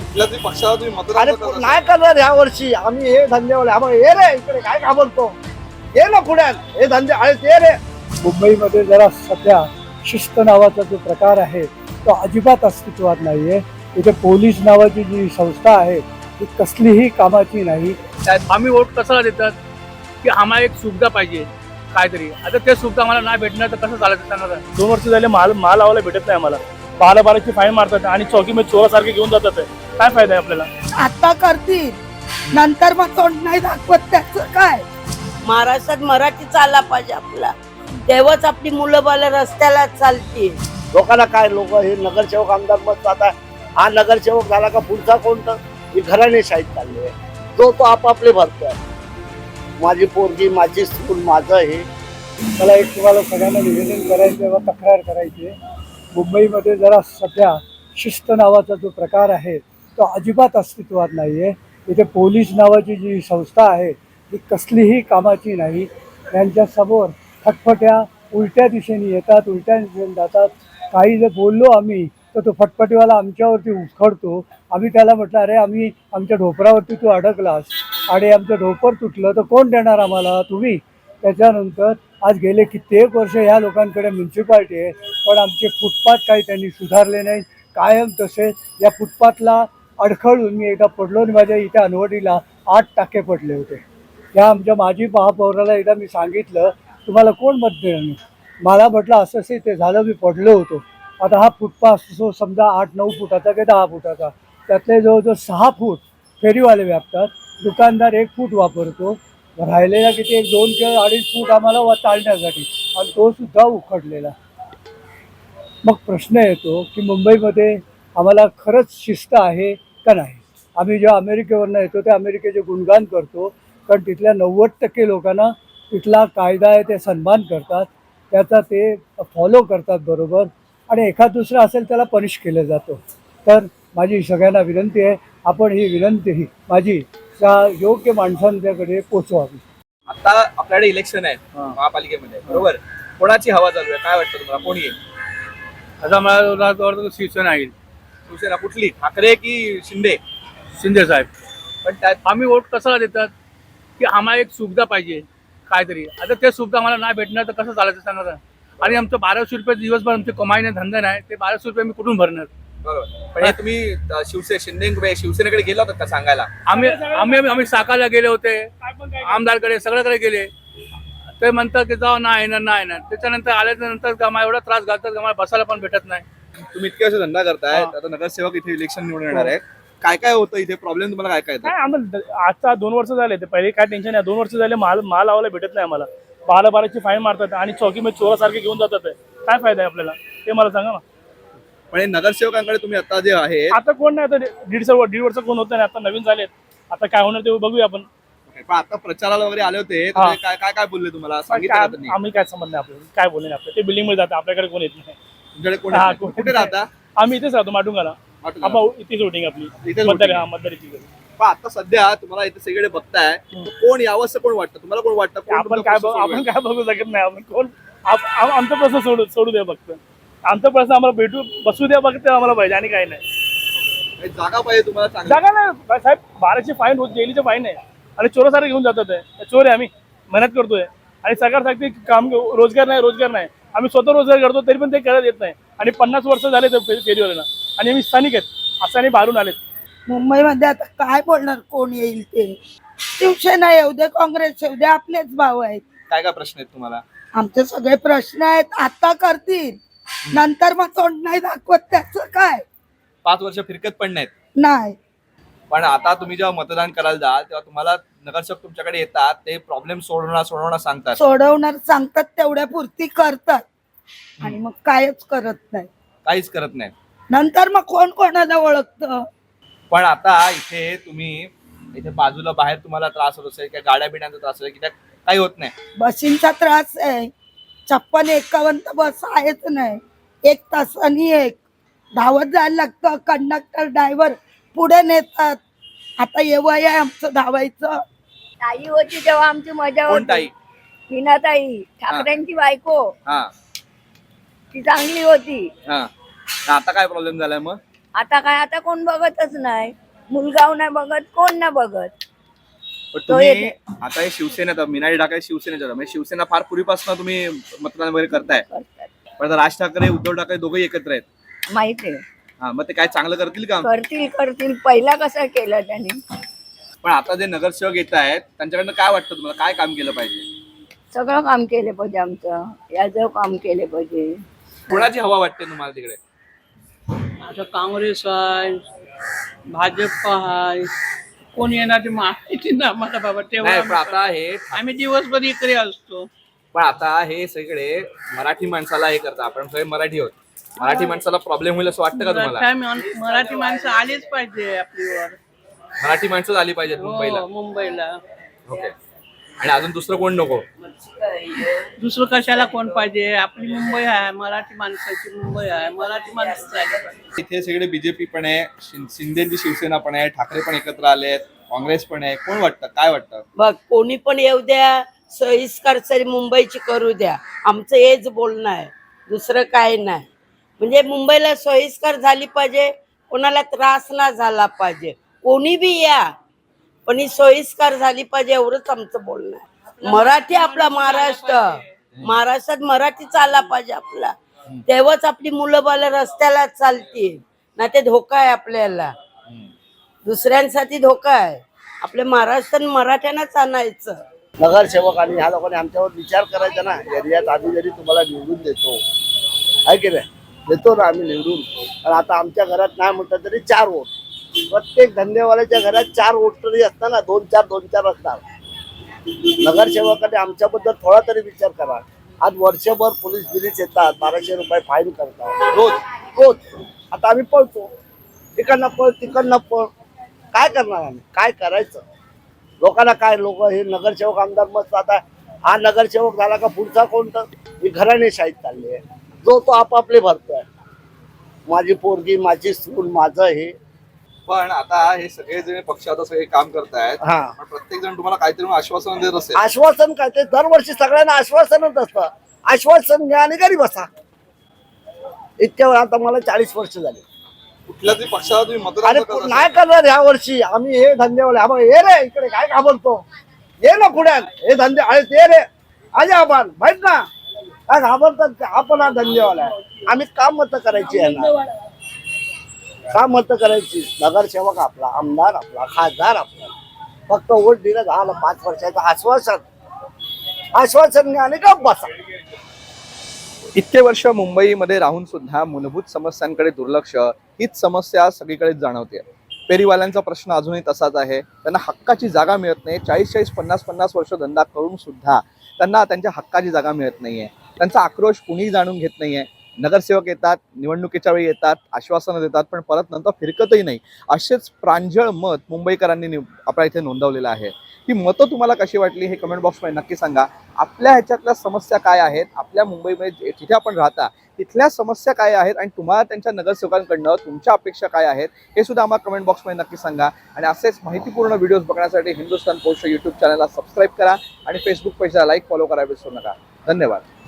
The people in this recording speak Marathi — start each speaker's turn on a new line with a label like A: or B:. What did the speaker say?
A: कुठल्या तरी पक्षाला तुम्ही मतदान
B: अरे
A: करत असाल.
B: नाही करणार ह्या वर्षी आम्ही हे धंदेवाले आम्हाला ये रे इकडे काय घाबरतो ये ना पुण्यात हे धंदे अरे ते रे.
C: मुंबईमध्ये जरा सध्या शिस्त नावाचा जो प्रकार आहे तो अजिबात अस्तित्वात नाहीये. इथे पोलीस नावाची जी संस्था आहे ती कसलीही कामाची नाही.
D: आम्ही वोट कशाला देतात की आम्हाला एक सुविधा पाहिजे काहीतरी. आता ते सुविधा आम्हाला नाही भेटणार तर कसं चालायचं सांगा. 2 वर्ष झाले माल लावायला भेटत नाही आम्हाला. 12-12ची फाईन मारतात आणि चौकीमध्ये चोरासारखे घेऊन जातात. काय फायदा आहे आपल्याला.
E: आता करतील नंतर मग तोंड नाही दाखवत त्याचं काय.
F: महाराष्ट्रात मराठी चालला पाहिजे आपला, तेव्हाच आपली मुलं बालं रस्त्याला चालतील.
B: लोकांना काय लोक हे नगरसेवक आमदार मत आता हा नगरसेवक झाला का पुढचा कोणतं ही घराणेशाहीत चालली आहे. तो आपापले भरतोय माझी पोरगी माझी स्कूल माझं हे.
C: मला एक तुम्हाला सगळ्यांना निवेदन करायचं व तक्रार करायची आहे. मुंबईमध्ये जरा सध्या शिस्त नावाचा जो प्रकार आहे तो अजिबात अस्तित्वात नाहीये. इथे पोलीस नावाची जी संस्था आहे ती कसलीही कामाची नाही. त्यांच्यासमोर फटफट्या उलट्या दिशेने येतात, उलट्या दिशेने जातात. काही जर बोललो आम्ही तर तो फटफटीवाला आमच्यावरती उखडतो. आम्ही त्याला म्हटलं अरे आम्ही आमच्या ढोपरावरती तू अडकलास आणि आमचं ढोपर तुटलं तर कोण देणार आम्हाला, तुम्ही. त्याच्यानंतर आज गेले कित्येक वर्ष ह्या लोकांकडे म्युन्सिपाल्टी आहे पण आमचे फुटपाथ काही त्यांनी सुधारले नाही. कायम तसे या फुटपाथला अडखळून मी एकदा पडलो आणि माझ्या इथे अनवडीला 8 टाके पडले होते. त्या आमच्या माजी महापौराला एकदा मी सांगितलं तुम्हाला कोण मत देणार. मला म्हटलं असं असे ते झालं मी पडलो होतो. आता हा फुटपाथ जो समजा 8-9 फुटाचा की 10 फुटाचा त्यातले जवळजवळ 6 फूट फेरीवाले व्यापतात. दुकानदार 1 फूट वापरतो. राहिलेला किती 1, 2 किंवा 2.5 फूट आम्हाला चालण्यासाठी आणि तो सुद्धा उखडलेला. मग प्रश्न येतो की मुंबईमध्ये आम्हाला खरंच शिस्त आहे का नाही. आम्ही जेव्हा अमेरिकेवरनं येतो ते अमेरिकेचे गुणगान करतो कारण तिथल्या 90% लोकांना तिथला कायदा आहे ते सन्मान करतात, त्याचा ते फॉलो करतात बरोबर. आणि एखाद दुसरा असेल त्याला पनिश केलं जातं. तर माझी सगळ्यांना विनंती आहे आपण ही विनंती ही माझी त्या योग्य माणसांच्याकडे पोचवावी.
A: आता आपल्याकडे इलेक्शन आहे महापालिकेमध्ये, बरोबर. कोणाची हवा चालू आहे काय वाटतं तुम्हाला, कोण येईल?
D: आता मला वाटतं शिवसेना येईल.
A: शिवसेना कुठली, ठाकरे की शिंदे?
D: शिंदे साहेब.
A: पण त्यात
D: आम्ही वोट कशाला देतात की आम्हाला एक सुविधा पाहिजे काहीतरी. आता ते सुविधा आम्हाला नाही भेटणार तर कसं चालायचं सांगा. आणि आमचं 1200 रुपये दिवसभर आमचे कमाई नाही धंदा नाही, ते 1200 रुपये मी कुठून भरणार.
A: बरोबर. पण हे तुम्ही शिवसेनेकडे गेला होता का सांगायला?
D: आम्ही साकाला गेले होते, आमदारकडे सगळ्याकडे गेले. ते म्हणतात की जाऊ नाही येणार. त्याच्यानंतर आल्यानंतर आम्हाला एवढा त्रास घालतात की आम्हाला बसायला पण भेटत नाही.
A: तुम्ही इतके वर्ष धंदा करताय, आता नगरसेवक इथे इलेक्शन निवडून येणार आहे. काय काय होतं इथे प्रॉब्लेम तुम्हाला, काय काय येतं?
D: काय आम्हाला आता 2 वर्ष झाले ते पहिले काय टेन्शन नाही. 2 वर्ष झाले माल लावायला भेटत नाही आम्हाला. 12-12ची फाईन मारतात आणि चौकीमध्ये चोरासारखे घेऊन जातात. काय फायदा आहे आपल्याला ते मला सांगा ना.
A: पण हे नगरसेवकांकडे तुम्ही आता जे आहे
D: आता कोण नाही, आता 1.5 वर्ष कोण होत नाही. आता नवीन झालेत, आता काय होणार ते बघूया आपण.
A: पण आता प्रचाराला वगैरे आले होते तर ते काय काय बोलले तुम्हाला, सांगितलं का त्यांनी?
D: आम्ही काय संबंध नाही आपल्याला, काय बोलले नाही. आपलं ते बिल्डिंग मध्ये जातं, आपल्याकडे कोण येत नाही.
A: तुमच्याकडे कोण आहे? कुठे राहता?
D: आम्ही इथेच राहतो माटुंगाला. आपण इथेच वोटिंग आपली
A: इथेच
D: मतदारी.
A: पण आता सध्या तुम्हाला इथे सगळीकडे बघताय कोण यावं असं कोण वाटतं तुम्हाला, कोण वाटतं कोण
D: आपण
A: तुमचा
D: काय
A: प्रश्न सोडवेल?
D: आपण काय बघू शकत नाही. आपण कोण आमचा प्रश्न सोडू द्या फक्त. आमचा प्रश्न आम्हाला बसू द्या फक्त आम्हाला पाहिजे आणि काय नाही.
A: काही जागा पाहिजे तुम्हाला चांगली.
D: जागा नाही साहेब. 12ची फाईन रोज जेलीचे फाईन आहे आणि चोरासारखे घेऊन जातात. चोर आहे, आम्ही मेहनत करतोय आणि सरकार सांगते काम रोजगार नाही. आम्ही स्वतः रोजगार करतो तरी पण ते करत येत नाही. आणि 50 वर्ष झाले ते फेरीवाल्यांना आणि आम्ही स्थानिक आहेत असं आणि बाहेरून आलेत.
E: मुंबईमध्ये आता काय बोलणार कोण येईल ते. शिवसेना येऊ दे, काँग्रेस येऊ दे, आपलेच भाऊ आहेत.
A: काय काय प्रश्न आहेत तुम्हाला?
E: आमचे सगळे प्रश्न आहेत. आता करतील नंतर मग तोंड नाही दाखवत त्याचं काय.
A: 5 वर्ष फिरकत पण नाहीत.
E: नाही
A: पण आता तुम्ही जेव्हा मतदान करायला जाल तेव्हा तुम्हाला नगरसेवक तुमच्याकडे येतात, ते प्रॉब्लेम सोडवणार सांगतात.
E: सोडवणार सांगतात तेवढ्या पुरती करतात आणि मग कायच करत नाही.
A: काहीच करत नाही.
E: नंतर मग कोण कोणाला ओळखतं.
A: पण आता इथे तुम्ही इथे बाजूला बाहेर तुम्हाला त्रास होत असेल किंवा गाड्या बिड्यांचा त्रास असेल की काही होत नाही.
E: बसींचा त्रास आहे. 56-51 बस आहेच नाही. 1 तासानी एक धावत जायला लागतं. कंडक्टर ड्रायव्हर पुढे नेतात. आता एवढं आहे आमचं धावायचं.
F: ताई होती तेव्हा आमची मजा
A: कोण
F: होती.
A: ताई?
F: हिनाताई ठाकरेंची बायको,
A: हा
F: ती चांगली होती.
A: हा. आता काय प्रॉब्लेम झालाय मग?
G: आता काय, आता कोण बघतच नाही. मुलगाव नाही बघत, कोण नाही बघत.
A: पण
G: तो
A: तुम्ही
G: येते.
A: आता हे शिवसेनेत मीनाली ढाकळे शिवसेनेच्या होत्या. म्हणजे शिवसेना फार पूर्वीपासून तुम्ही मतदान वगैरे करताय.
G: करतात.
A: पण आता राज ठाकरे उद्धव ठाकरे दोघंही एकत्र आहेत.
G: माहिती आहे.
A: हा, मग ते काय चांगलं करतील का?
G: करतील. पहिला कसं केलं त्यांनी.
A: पण आता जे नगरसेवक येत आहेत त्यांच्याकडनं काय वाटतं तुम्हाला, काय काम केलं पाहिजे?
G: सगळं काम केले पाहिजे आमचं. याचं काम केले पाहिजे.
A: कोणाची हवा वाटते तुम्हाला तिकडे?
H: आता काँग्रेस आहे, भाजप आहे, कोण येणार ते माहिती ना मला बाबा.
A: नाही, पण
H: तेव्हा
A: आता हे
H: आम्ही दिवसभर इकडे असतो.
A: पण आता हे सगळे मराठी माणसाला हे करतात. आपण सगळे मराठी आहोत. मराठी माणसाला प्रॉब्लेम होईल असं वाटतं का तुम्हाला?
H: मराठी माणसं आलीच पाहिजे आपलीवर.
A: मराठी माणसं आली पाहिजेत मुंबईला.
H: हो, मुंबईला.
A: ओके. आणि अजून दुसरं कोण नको?
H: दुसरं कशाला कोण पाहिजे? आपली मुंबई आहे, मराठी माणसाची मुंबई आहे, मराठी माणसं आली पाहिजे.
A: इथे सगळे बीजेपी पण आहे, शिंदेची शिवसेना पण आहे, ठाकरे पण एकत्र आले आहेत, काँग्रेस पण आहे. कोण वाटतं, काय वाटतं?
F: बघ, कोणी पण येऊ द्या, सोयीस्कर तरी मुंबईची करू द्या. आमचं हेच बोलणं आहे, दुसरं काय नाही. म्हणजे मुंबईला सोयीस्कर झाली पाहिजे, कोणाला त्रास ना झाला पाहिजे. कोणी बी या, पण ही सोयीस्कर झाली पाहिजे, एवढंच आमचं बोलणं आहे. मराठी आपला महाराष्ट्रात मराठी चालला पाहिजे आपला. तेव्हाच आपली मुलं बालं रस्त्याला चालतील. ना ते धोका आहे आपल्याला, दुसऱ्यांसाठी धोका आहे. आपल्या महाराष्ट्रात मराठ्यांनाच आणायचं.
B: नगरसेवक आणि ह्या लोकांनी आमच्यावर विचार करायचा ना. एरियात आम्ही जरी तुम्हाला निवडून देतो, आहे की नाही, देतो ना आम्ही निवडून. पण आता आमच्या घरात नाही म्हटलं तरी 4 वोट. प्रत्येक धंदेवाल्याच्या घरात 4 वोट तरी असतात ना, 2-4 असतात. नगरसेवकाने आमच्याबद्दल थोडा तरी विचार करा. आज वर्षभर पोलीस येतात, 1200 रुपये फाईन करतात रोज. आता आम्ही पळतो, तिकडनं पळ. काय करणार आम्ही, काय करायचं? लोकांना काय, लोक हे नगरसेवक आमदार मस्त. आता हा नगरसेवक झाला का पुढचा कोणतं? ही घराणेशाहीत चालली आहे. जो तो आपापले भरतोय. माझी पोरगी, माझी सून, माझं हे.
A: पण आता हे सगळे जे पक्ष आता सगळे काम करतायत,
B: हा,
A: पण प्रत्येक जण तुम्हाला काहीतरी आश्वासन देत असेल.
B: आश्वासन काय? ते दरवर्षी सगळ्यांना आश्वासनच असतं. आश्वासन घ्या आणि घरी बसा. इतक्या वेळा आता मला 40 वर्ष झाली.
A: कुठल्या तरी पक्षाला तुम्ही मतदान
B: अरे
A: करत असाल.
B: नाही करणार ह्या वर्षी आम्ही. हे धंदेवाले, हा ये रे इकडे, काय घाबरतो? ये ना पुण्यात, हे धंदे आहे ते रे. आजा आपण माहित ना, काय घाबरतात? आपण हा धंदेवाला आहे. आम्ही काम मत करायची आहे ना, काम मत करायची. नगरसेवक आपला, आमदार आपला, खासदार आपला. फक्त वोट दिलं झालं. 5 वर्षाचं आश्वासन घ्या आणि गप बसा.
A: इतके वर्ष मुंबईमध्ये राहून सुद्धा मूलभूत समस्यांकडे दुर्लक्ष, हीच समस्या सगळीकडे जाणवते. फेरीवाल्यांचा प्रश्न अजूनही तसाच आहे. त्यांना हक्काची जागा मिळत नाही. 40-40, 50-50 वर्ष धंदा करून सुद्धा त्यांना त्यांच्या हक्काची जागा मिळत नाहीये. त्यांचा आक्रोश कुणीही जाणून घेत नाहीये. नगरसेवक येतात, निवडणुकीच्या वेळी येतात, आश्वासनं देतात, पण परत नंतर फिरकतही नाही. असेच प्रांजळ मत मुंबईकरांनी आपल्या इथे नोंदवलेलं आहे. ही मतं तुम्हाला कशी वाटली हे कमेंट बॉक्समध्ये नक्की सांगा. आपल्या ह्याच्यातल्या समस्या काय आहेत, आपल्या मुंबईमध्ये जिथे आपण राहता तिथल्या समस्या काय आहेत, आणि तुम्हाला त्यांच्या नगरसेवकांकडनं तुमच्या अपेक्षा काय आहेत हे सुद्धा आम्हाला कमेंट बॉक्समध्ये नक्की सांगा. आणि असेच माहितीपूर्ण व्हिडिओज बघण्यासाठी हिंदुस्थान पोस्ट यूट्यूब चॅनलला सबस्क्राईब करा आणि फेसबुक पेजला लाईक, फॉलो करायला विसरू नका. धन्यवाद.